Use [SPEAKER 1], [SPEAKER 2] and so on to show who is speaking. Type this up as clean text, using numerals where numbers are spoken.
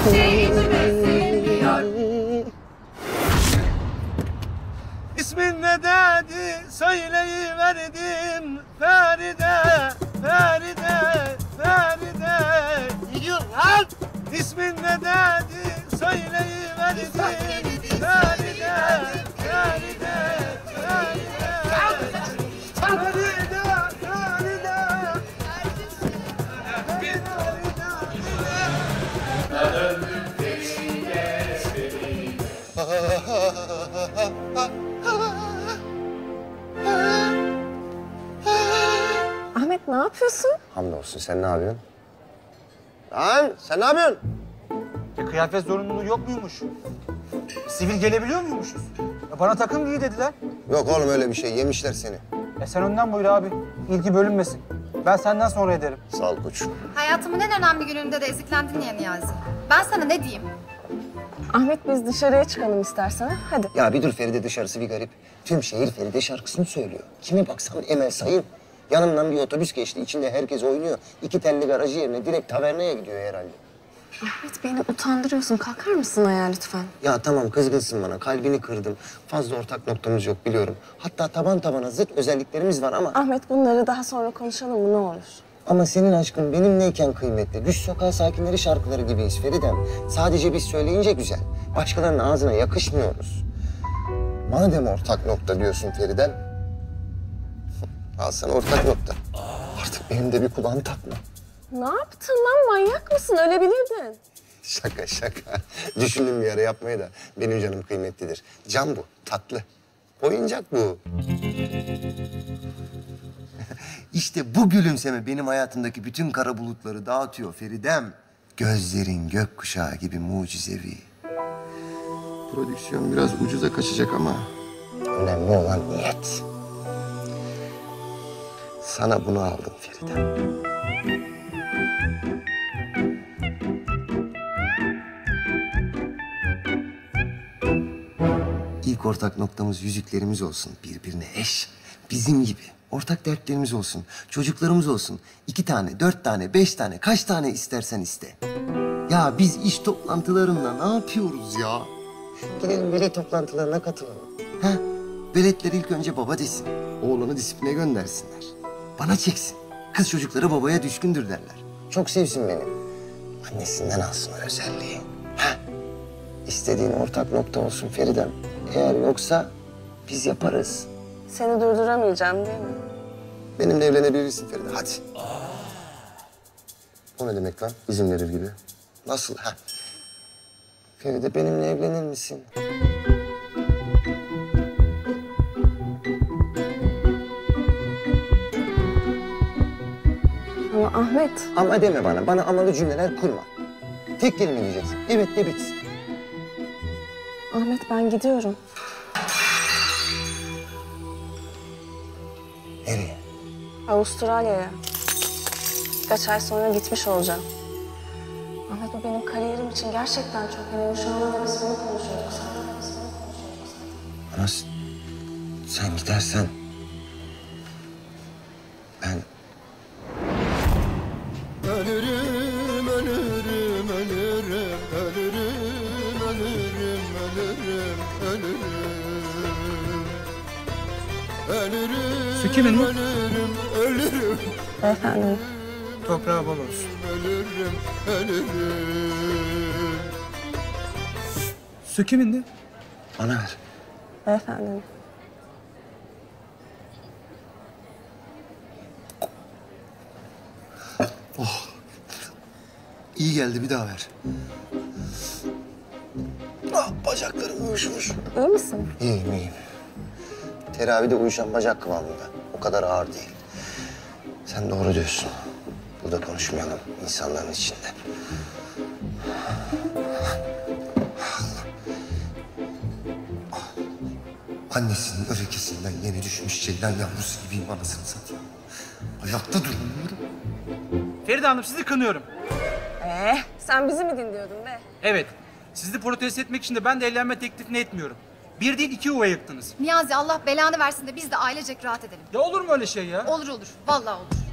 [SPEAKER 1] İsmin ne dedi, söyleyiverdim Feride, Feride, Feride. Ne diyorsun lan? İsmin ne dedi, söyleyiverdim Feride, Feride, Feride.
[SPEAKER 2] Ahmet ne yapıyorsun?
[SPEAKER 3] Hamdolsun, sen ne yapıyorsun? Lan sen ne yapıyorsun?
[SPEAKER 1] Kıyafet zorunluluğu yok muymuş? Sivil gelebiliyor muymuşuz? Ya bana takım giy dediler.
[SPEAKER 3] Yok oğlum öyle bir şey, yemişler seni.
[SPEAKER 1] Sen önden buyur abi. İlgi bölünmesin. Ben senden sonra ederim.
[SPEAKER 3] Sağ ol koçum.
[SPEAKER 4] Hayatımın en önemli gününde de eziklendin ya Niyazi. Ben sana ne diyeyim?
[SPEAKER 2] Ahmet biz dışarıya çıkalım istersen. Hadi.
[SPEAKER 3] Ya bir dur Feride, dışarısı bir garip. Tüm şehir Feride şarkısını söylüyor. Kime baksan Emel Sayın. Yanımdan bir otobüs geçti, içinde herkes oynuyor. 2 telli garajı yerine direkt tavernaya gidiyor herhalde.
[SPEAKER 2] Ahmet beni utandırıyorsun. Kalkar mısın ayağa lütfen?
[SPEAKER 3] Ya tamam, kızgınsın bana, kalbini kırdım. Fazla ortak noktamız yok biliyorum. Hatta taban tabana zıt özelliklerimiz var ama...
[SPEAKER 2] Ahmet bunları daha sonra konuşalım mı ne olur?
[SPEAKER 3] Ama senin aşkın benimleyken kıymetli. Düş sokağı sakinleri şarkıları gibiyiz Feridem. Sadece biz söyleyince güzel. Başkalarının ağzına yakışmıyoruz. Madem ortak nokta diyorsun Feridem... al sana ortak nokta. Artık benim de bir kulağım takma.
[SPEAKER 2] Ne yaptın lan? Manyak mısın? Ölebilirdin.
[SPEAKER 3] Şaka şaka. Düşündüm bir ara yapmayı da. Benim canım kıymetlidir. Can bu, tatlı. Oyuncak bu. İşte bu gülümseme benim hayatımdaki bütün kara bulutları dağıtıyor Feridem. Gözlerin gökkuşağı gibi mucizevi. Prodüksiyon biraz ucuza kaçacak ama... önemli olan niyet. Sana bunu aldım Feridem. İlk ortak noktamız yüzüklerimiz olsun. Birbirine eş. Bizim gibi. Ortak dertlerimiz olsun. Çocuklarımız olsun. 2 tane, 4 tane, 5 tane, kaç tane istersen iste. Ya biz iş toplantılarında ne yapıyoruz ya? Gidelim veli toplantılarına katılalım. Ha? Veletler ilk önce baba desin. Oğlanı disipline göndersinler. Bana çeksin. Kız çocukları babaya düşkündür derler. Çok sevsin beni. Annesinden alsın o özelliği. Ha? İstediğin ortak nokta olsun Feridem. Eğer yoksa biz yaparız.
[SPEAKER 2] Seni durduramayacağım değil mi?
[SPEAKER 3] Benimle evlenebilirsin Feride, hadi. O ne demek lan? İzin verir gibi. Nasıl ha? Feride benimle evlenir misin?
[SPEAKER 2] Ama Ahmet...
[SPEAKER 3] Ama deme bana, bana amalı cümleler kurma. Tek kelime diyeceksin. Evet de bitsin.
[SPEAKER 2] Ahmet ben gidiyorum.
[SPEAKER 3] Nereye?
[SPEAKER 2] Avustralya'ya. Birkaç ay sonra gitmiş olacağım. Ahmet bu benim kariyerim için gerçekten çok önemli. Şu anda da biz bunu konuşuyorduk.
[SPEAKER 3] Ana sen gidersen... ben...
[SPEAKER 5] Ölürüm, ölürüm, ölürüm, ölürüm, ölürüm, ölürüm, ölürüm. Ölürüm,
[SPEAKER 1] Su kimin bu?
[SPEAKER 5] ölürüm, ölürüm.
[SPEAKER 2] Efendim?
[SPEAKER 1] Toprağı bol olsun.
[SPEAKER 5] Ölürüm, ölürüm.
[SPEAKER 1] Su kimindi?
[SPEAKER 3] Bana ver.
[SPEAKER 2] Efendim?
[SPEAKER 3] İyi geldi, bir daha ver. Ah, bacaklarım uyuşmuş.
[SPEAKER 2] İyi misin?
[SPEAKER 3] İyiyim, iyiyim. Teravide uyuşan bacak kıvamında. O kadar ağır değil. Sen doğru diyorsun. Burada konuşmayalım insanların içinde. Annesinin öfkesinden yeni düşmüş ceylan yavrusu gibiyim anasını satayım. Ayakta duramıyorum.
[SPEAKER 1] Feride Hanım sizi kınıyorum.
[SPEAKER 2] Sen bizi mi dinliyordun be?
[SPEAKER 1] Evet. Sizi protesto etmek için de ben de evlenme teklifini etmiyorum. Bir değil 2 yuva yıktınız.
[SPEAKER 4] Niyazi Allah belanı versin de biz de ailecek rahat edelim.
[SPEAKER 1] Ya olur mu öyle şey ya?
[SPEAKER 4] Olur olur. Vallahi olur.